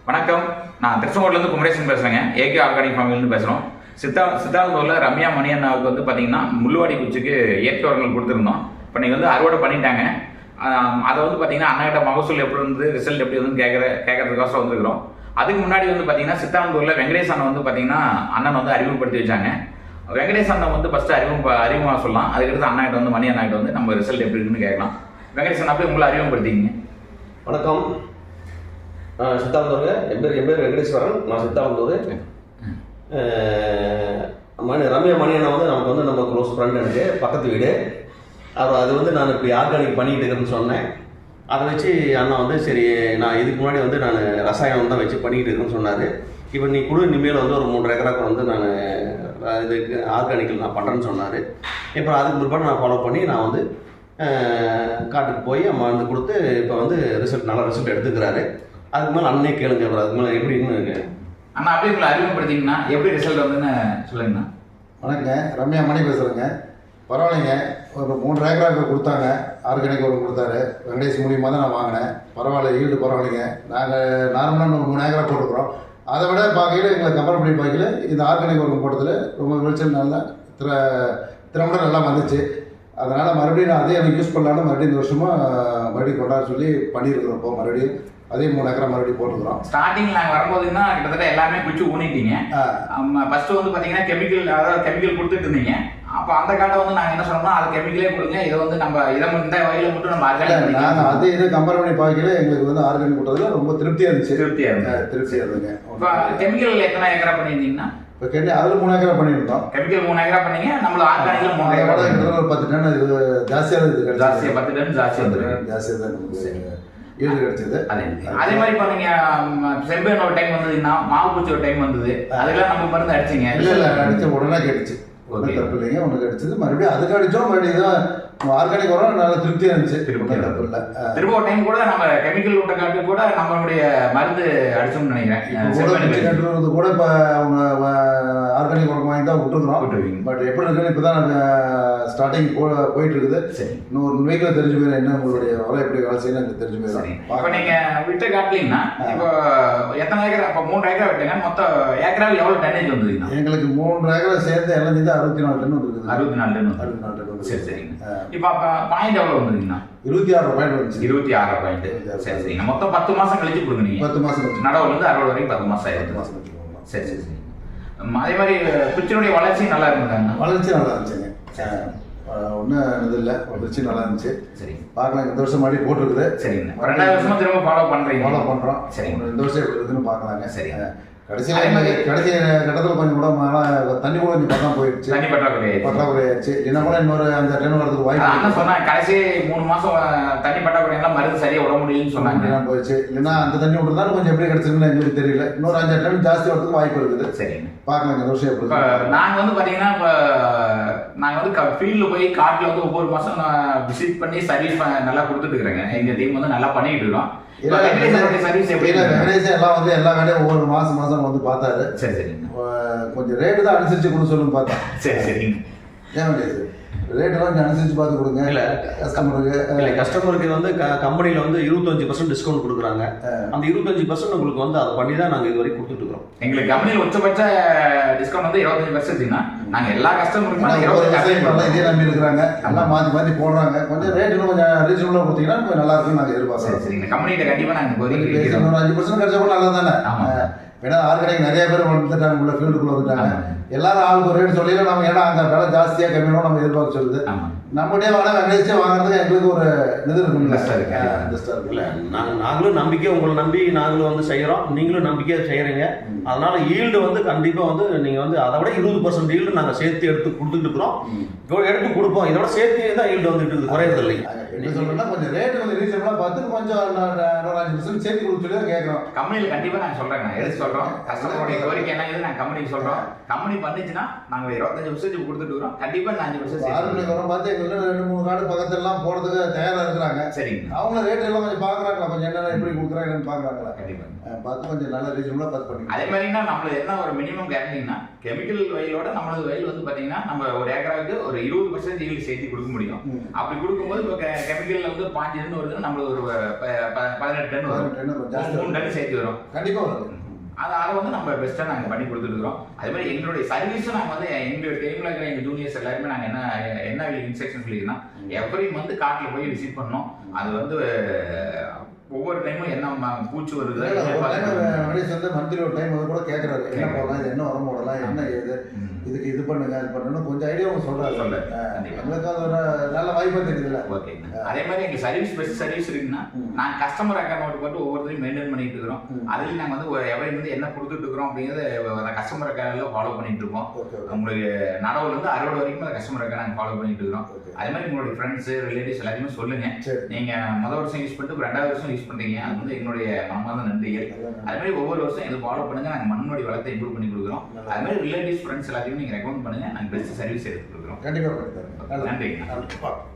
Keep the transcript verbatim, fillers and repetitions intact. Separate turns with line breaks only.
வணக்கம். நான் திருச்செங்கோட்லேருந்து குமரேசன் பேசுகிறேங்க. ஏகே ஆர்கானிக் ஃபார்மிலேருந்து பேசுகிறோம். சித்தா சித்தாந்தூரில் ரம்யா மணியண்ணாவுக்கு வந்து பார்த்தீங்கன்னா முள்ளுவாடி குச்சிக்கு இயற்கை உரங்கள் கொடுத்துருந்தோம். இப்போ நீங்கள் வந்து அறுவடை பண்ணிட்டாங்க. அதை வந்து பார்த்தீங்கன்னா அண்ணாகிட்ட மகசூல் எப்படி இருந்து ரிசல்ட் எப்படி வந்து கேட்குற கேட்கறதுக்கோசரம் வந்துருக்கிறோம். அதுக்கு முன்னாடி வந்து பார்த்தீங்கன்னா சித்தாந்தூரில் வெங்கடேஷ் அண்ணன் வந்து பார்த்தீங்கன்னா அண்ணன் வந்து அறிமுகப்படுத்தி வச்சாங்க. வெங்கடேஷ் அண்ணன் வந்து ஃபஸ்ட்டு அறிமுக அறிமுகமாக சொல்லலாம். அதுக்கடுத்து அண்ணாகிட்ட வந்து மணி அண்ணாகிட்ட வந்து நம்ம ரிசல்ட் எப்படி இருக்குன்னு கேட்கலாம். வெங்கடேஷ் அண்ணா போய் உங்களை அறிமுகப்படுத்திங்க.
வணக்கம். சித்தாந்தூருங்க. என் பேர் என் பேர் வெங்கடேஸ்வரன். நான் சித்தாந்தூர். மணி ரம்யா மணியண்ணா வந்து நமக்கு வந்து நம்ம க்ளோஸ் ஃப்ரெண்ட், எனக்கு பக்கத்து வீடு. அவர் அது வந்து நான் இப்படி ஆர்கானிக் பண்ணிகிட்டு இருக்கிறேன்னு சொன்னேன். அதை வச்சு அண்ணா வந்து சரி, நான் இதுக்கு முன்னாடி வந்து நான் ரசாயனம் தான் வச்சு பண்ணிக்கிட்டு இருக்குன்னு சொன்னார். இப்போ நீ குழு இனிமேல் வந்து ஒரு மூன்று ஏக்கராக்கு வந்து நான் இதுக்கு ஆர்கானிக்கில் நான் பண்ணுறேன்னு சொன்னார். இப்போ அதுக்கு பிற்பாடு நான் ஃபாலோ பண்ணி நான் வந்து காட்டுக்கு போய் மருந்து கொடுத்து இப்போ வந்து ரிசல்ட் நல்ல ரிசல்ட் எடுத்துக்கிறாரு. அதுக்கு மேலே அண்ணே கேளுங்க. அதுக்கு மேலே எப்படின்னு
அண்ணா அப்படியே உங்களை அறிமுகப்படுத்திங்கன்னா எப்படி ரிசல்ட் வந்துன்னு சொல்லுங்கண்ணா.
வணக்கங்க. ரம்யா மணி பேசுகிறேங்க. பரவாயில்லைங்க. ஒரு மூன்று ஏக்கராக்கு கொடுத்தாங்க, ஆர்கானிக் ஒரு கொடுத்தாரு. வெங்கடேஷ் மூலியமாக தான் நான் வாங்கினேன். பரவாயில்ல, ஈல்டு பரவாயில்லைங்க. நாங்கள் நார்மலாக ஒரு மூணு ஏக்கரா போட்டுக்கிறோம். அதை விட பார்க்கையில் எங்களை கம்பேர் பண்ணி பார்க்கல இந்த ஆர்கானிக் உரம் போட்டதில் ரொம்ப விளைச்சல் நல்லா திற திறம்பட நல்லா வந்துச்சு. அதனால் மறுபடியும் நான் அதே எனக்கு யூஸ் பண்ணலான்னு மறுபடியும் இந்த வருஷமாக மறுபடியும் கொண்டாட சொல்லி பண்ணியிருக்கிறோம். இப்போ மறுபடியும் அதே மூணு ஏக்கரா மறுபடியும் போட்டுக்கிறோம்.
ஸ்டார்டிங் நாங்கள் வரும்போதுன்னா கிட்டத்தட்ட எல்லாமே குச்சி ஊனிட்டீங்க. ஃபர்ஸ்ட் வந்து பார்த்தீங்கன்னா கெமிக்கல், அதாவது கெமிக்கல் கொடுத்துட்டு இருந்தீங்க. அப்போ அந்த காட்டை வந்து நாங்கள் என்ன சொன்னோம்னா அது கெமிக்கலே கொடுங்க, இதை வந்து நம்ம இதை இந்த வகையில் மட்டும் நம்ம ஆர்கானிக்
நாங்கள் அதே இதை கம்பேர் பண்ணி பார்க்கல எங்களுக்கு வந்து ஆர்கானிக் போட்டதில் ரொம்ப திருப்தியாக இருந்துச்சு.
திருப்தியாக இருந்துச்சு
திருப்தியாக இருந்துங்க.
இப்போ கெமிக்கல் எத்தனை ஏக்கரா பண்ணியிருந்தீங்கன்னா?
இப்போ கேட்டு அதில் மூணு ஏக்கரா பண்ணியிருந்தோம்.
கெமிக்கல் மூணு ஏக்கரா பண்ணீங்க. நம்மள ஆர்கானிக்கில் மூணு ஏக்கரா
கிட்டத்தட்ட ஒரு பத்து டன் இது ஜாஸ்தியாக இருக்குது.
ஜாஸ்தியாக பத்து டன் ஜாஸ்தியாக
ஜாஸ்தியாக தான் நமக்கு ஈல்டு கிடைச்சது.
அதே அதே மாதிரி இப்போ நீங்கள் செம்பேன் ஒரு டைம் வந்ததுன்னா மாவு பூச்சி ஒரு டைம் வந்தது, அதுக்கெல்லாம் நம்ம மருந்து அடிச்சிங்க?
இல்லை இல்லை அடித்த உடனே கேட்டுச்சு. ஒன்றும் தப்பு இல்லைங்க. ஒன்று கிடைச்சது. மறுபடியும் அதுக்கு அடித்தோம். மறுபடியும் தான் ஆர்கானிக் வரும். நல்லா திருப்தியாக இருந்துச்சு.
திருப்பி
தப்பு இல்லை.
திரும்ப ஒரு டைம் கூட நம்ம கெமிக்கல் விட்ட காட்டு கூட நம்மளுடைய மருந்து அடிச்சோம்னு நினைக்கிறேன்.
கூட இப்போ அவங்க ஆர்கானிக் உரம் வாங்கி தான் விட்டுருக்குறோம். பட் எப்படி இருக்குன்னு இப்போ தான் ஸ்டார்டிங் போ போயிட்டு இருக்குது. இன்னும் ஒரு வீக்கில் தெரிஞ்சு போயிடும் என்ன உங்களுடைய உரம் எப்படி வேலை செய்யணும் எனக்கு தெரிஞ்சு போயிடும்.
இப்போ நீங்கள் விட்ட காட்டிலீங்கன்னா இப்போ எத்தனை ஏக்கரா? இப்போ மூன்று ஏக்கரா விட்டுங்க. மொத்தம் ஏக்கராவில் எவ்வளோ டன்னேஜ் வந்ததுங்க?
எங்களுக்கு மூன்று ஏக்கரா சேர்ந்து எல்லாம் சேர்ந்து அறுபத்தி நாலு டன் வந்துருக்குது.
அறுபத்தி நாலு டன்
அறுபத்தி நாலு டன் வந்து
சரி சரிங்க. இப்போ அப்போ பாயிண்ட் எவ்வளோ வந்துருக்குண்ணா?
இருபத்தி ஆறு பாயிண்ட் வந்துச்சு.
இருபத்தி ஆறு பாயிண்ட் சரி சரிங்க. மொத்தம் பத்து மாதம் கழிச்சு கொடுங்க நீங்கள்.
பத்து மாதம்
நடவுலேருந்து அறுபது வரைக்கும் பத்து மாதம் ஆயிடுச்சு.
மாதம்
சரி சரி சரி. அதே மாதிரி குச்சினுடைய வளர்ச்சி நல்லா இருந்ததுங்க.
வளர்ச்சி நல்லா இருந்துச்சுங்க. ஒன்றும் இது இல்லை, வளர்ச்சி நல்லா இருந்துச்சு.
சரி,
பார்க்கலாம். இந்த வருஷம் மறுபடியும் போட்டிருக்குது.
சரிங்க. ரெண்டாவது வருஷமா திரும்ப ஃபாலோ பண்ணுறீங்க?
ஃபாலோ பண்ணுறோம்.
சரிங்க.
இந்த வருஷம் எப்படி இருக்குதுன்னு பார்க்கலாங்க.
சரிங்க.
கடைசியில் கடைசி கட்டத்தில் கொஞ்சம் கூட மழை தண்ணி கூட கொஞ்சம் பக்கம் போயிடுச்சு.
தண்ணி பற்றாக்குறை
பற்றாக்குறை ஆயிடுச்சு. இல்லைன்னா கூட இன்னொரு அந்த டன் வரதுக்கு வாய்ப்பு.
அண்ணா சொன்னாங்க கடைசி மூணு மாசம் தண்ணி பற்றாக்குறை எல்லாம் மருந்து சரியா விட முடியும்னு சொன்னாங்க.
போயிடுச்சு. இல்லைன்னா அந்த தண்ணி விட்டுருந்தாலும் கொஞ்சம் எப்படி கிடைச்சிருக்குன்னு எங்களுக்கு தெரியல. இன்னொரு அஞ்சு டன் ஜாஸ்தி வரதுக்கு வாய்ப்பு இருக்குது.
சரிங்க.
பார்க்கலாம் இந்த வருஷம் எப்படி.
நாங்கள் வந்து பார்த்தீங்கன்னா இப்போ நாங்கள் வந்து ஃபீல்டில் போய் காட்டில் வந்து ஒவ்வொரு மாதம் நான் விசிட் பண்ணி சர்வீஸ் நல்லா கொடுத்துட்டு இருக்கிறேங்க. எங்கள் டீம் வந்து நல்லா பண்ணிட்டு இருக்கோம்.
வெங்கடேஷ் எல்லாம் வந்து எல்லா வேலையும் ஒவ்வொரு மாசம் மாசம் வந்து பார்த்தாரு.
சரி சரி.
கொஞ்சம் ரேட்டு தான் அனுசரிச்சு கொடுக்க சொல்லுன்னு பார்த்தா.
சரி சரிங்க.
ஏன் வெங்கடேஷ் ரேட்டெல்லாம் கொஞ்சம் அனுசரிச்சு பார்த்து கொடுங்க.
இல்லை
கஸ்டமருக்கு
இல்லை கஸ்டமருக்கு வந்து க கம்பெனியில் வந்து இருபத்தஞ்சு பர்சன்ட் டிஸ்கவுண்ட் கொடுக்குறாங்க. அந்த இருபத்தஞ்சு பர்சன்ட் உங்களுக்கு வந்து அதை பண்ணி தான் நாங்கள் இது வரைக்கும் கொடுத்துட்ருக்கோம்.
எங்களுக்கு கம்பெனியில் உச்சபட்ச டிஸ்கவுண்ட் வந்து இருபத்தஞ்சு பர்சன்ட்னா நாங்கள் எல்லா கஸ்டமருக்குமே
இதே நம்பி இருக்கிறாங்க. எல்லாம் மாற்றி மாற்றி போடுறாங்க. கொஞ்சம் ரேட் இன்னும் கொஞ்சம் ரீசனபுளாக கொடுத்தீங்கன்னா கொஞ்சம் நல்லா இருக்குன்னு நாங்கள் எதிர்பார்க்குறோம்.
சரிங்க. கம்பெனிகிட்ட கண்டிப்பாக நாங்கள் ஒரு
அஞ்சு பர்சன்ட் கிடைச்சா கூட நல்லா தானே. ஏன்னா ஆர்கானிக் நிறைய பேர் வந்துட்டாங்க, உள்ள ஃபீல்டுக்குள்ள வந்துட்டாங்க. எல்லாரும் ஆளுக்கு ஒரு ரேட் சொல்லிடலாம். நம்ம ஏன்னா அந்த விலை ஜாஸ்தியாக கம்மியாக நம்ம எதிர்பார்க்க சொல்லுது. நம்மகிட்டே வாங்க வெங்கடேஷே வாங்குறதுக்கு எங்களுக்கு ஒரு இது இருக்குங்களா சார்?
இல்லை நாங்கள் நாங்களும் நம்பிக்கை உங்களை நம்பி நாங்களும் வந்து செய்கிறோம். நீங்களும் நம்பிக்கையாக செய்கிறீங்க. அதனால ஈல்டு வந்து கண்டிப்பாக வந்து நீங்கள் வந்து அதை விட இருபது பர்சன்ட் ஈல்டு நாங்கள் சேர்த்து எடுத்து கொடுத்துட்டு இருக்கிறோம். எடுத்து கொடுப்போம். இதோட சேர்த்து தான் ஈல்டு வந்துட்டு இருக்குது, குறையிறது இல்லை.
என்ன சொல்றேன்னா கொஞ்சம் ரேட்டு கொஞ்சம் ரீசனபுளாக பார்த்து கொஞ்சம் ஒரு அஞ்சு பர்சன்ட் சேர்த்து கொடுத்து சொல்லி தான் கேட்குறோம்.
கம்பெனியில் கண்டிப்பாக நான் சொல்கிறேன், எடுத்து சொல்கிறேன். சொல்றோம். கஸ்டமருடைய கோரிக்கை என்ன நாங்க கம்பெனிக்கு சொல்றோம். கம்பெனி பண்ணிச்சுன்னா நாங்க இருபத்தஞ்சு வருஷத்துக்கு கொடுத்துட்டு இருக்கோம். கண்டிப்பா நான் அஞ்சு வருஷம்
ஆறு மணிக்கு வரும் பார்த்து எங்கள்கிட்ட ரெண்டு மூணு கார்டு பக்கத்துல எல்லாம் போறதுக்கு தயாரா இருக்கிறாங்க.
சரிங்க.
அவங்க ரேட் எல்லாம் கொஞ்சம் பாக்குறாங்களா, கொஞ்சம் என்னென்ன எப்படி கொடுக்குறாங்கன்னு பாக்குறாங்களா,
கண்டிப்பா
பார்த்து கொஞ்சம் நல்ல ரீசனபிளா பார்த்து பண்ணி.
அதே மாதிரினா நம்மள என்ன ஒரு மினிமம் கேரண்டிங்கன்னா கெமிக்கல் வயலோட நம்மளது வயல் வந்து பாத்தீங்கன்னா நம்ம ஒரு ஏக்கராவுக்கு ஒரு இருபது பர்சன்ட் ஈல்டு சேர்த்து கொடுக்க முடியும். அப்படி கொடுக்கும்போது இப்போ கெமிக்கல்ல வந்து பாஞ்சு டன் வருதுன்னா நம்மளுக்கு ஒரு பதினெட்டு டன் வரும், மூணு டன் சேர்த்து வரும்.
கண்டிப்பா வரும்.
அது அதை வந்து நம்ம பெஸ்ட்டாக நாங்கள் பண்ணி கொடுத்துருக்குறோம். அதே மாதிரி எங்களுடைய சர்வீஸும் நாங்கள் வந்து எங்களுடைய டைமில் இருக்கிற எங்கள் ஜூனியர்ஸ் எல்லாருமே நாங்கள் என்ன என்ன இன்ஸ்ட்ரக்ஷன் சொல்லியிருக்கோம், எவ்ரி மந்த் காட்டில் போய் விசிட் பண்ணோம். அது வந்து ஒவ்வொரு டைமும் என்ன பூச்சி வருது
மந்த்லி ஒரு டைம் கூட கேட்கறாரு, என்ன போடலாம், இது என்ன உரம் போடலாம், என்ன ஏது, இதுக்கு இது பண்ணுங்க அது பண்ணணும் கொஞ்சம் ஐடியா சொல்றாரு. எங்களுக்கு அது ஒரு நல்ல வாய்ப்பா தெரியுதுல்ல.
ஓகே. அதே மாதிரி எங்க சர்வீஸ் பெஸ்ட் சர்வீஸ் இருக்குன்னா நாங்க கஸ்டமர் அக்கௌண்ட் போட்டு ஒவ்வொருத்தரையும் மெயின்டைன் பண்ணிட்டு இருக்கிறோம். அதுல நாங்க வந்து எவரி வந்து என்ன கொடுத்துட்டு இருக்கிறோம் அப்படிங்கறத கஸ்டமர் அக்கௌண்ட்ல ஃபாலோ பண்ணிட்டு இருக்கோம். உங்களுக்கு நடவுல இருந்து அறுபது வரைக்கும் கஸ்டமர் அக்கௌண்ட் நாங்க ஃபாலோ பண்ணிட்டு இருக்கிறோம். அதே மாதிரி உங்களுடைய ஃப்ரெண்ட்ஸ் ரிலேட்டிவ்ஸ் எல்லாருமே சொல்லுங்க. நீங்க முதல் வருஷம் யூஸ் பண்ணிட்டு ரெண்டாவது வருஷம் யூஸ் பண்றீங்க, அது வந்து எங்களுடைய மனமார்ந்த நன்றிகள். அதே மாதிரி ஒவ்வொரு வருஷம் இது ஃபாலோ பண்ணுங்க. நாங்க மண்ணுடைய வளத்தை இம்ப்ரூவ் பண்ணி கொடுக்குறோம். அதே மாதிரி ரிலேட்டிவ்ஸ் ஃப்ரெண்ட்ஸ் எல்லாத்தையும் நீங்க ரெக்கமெண்ட் பண்ணுங்க. நாங்க பெஸ்ட் சர்வீஸ் எடுத்து கொடுக்குறோம்.
கண்டிப்பா.
நன்றி.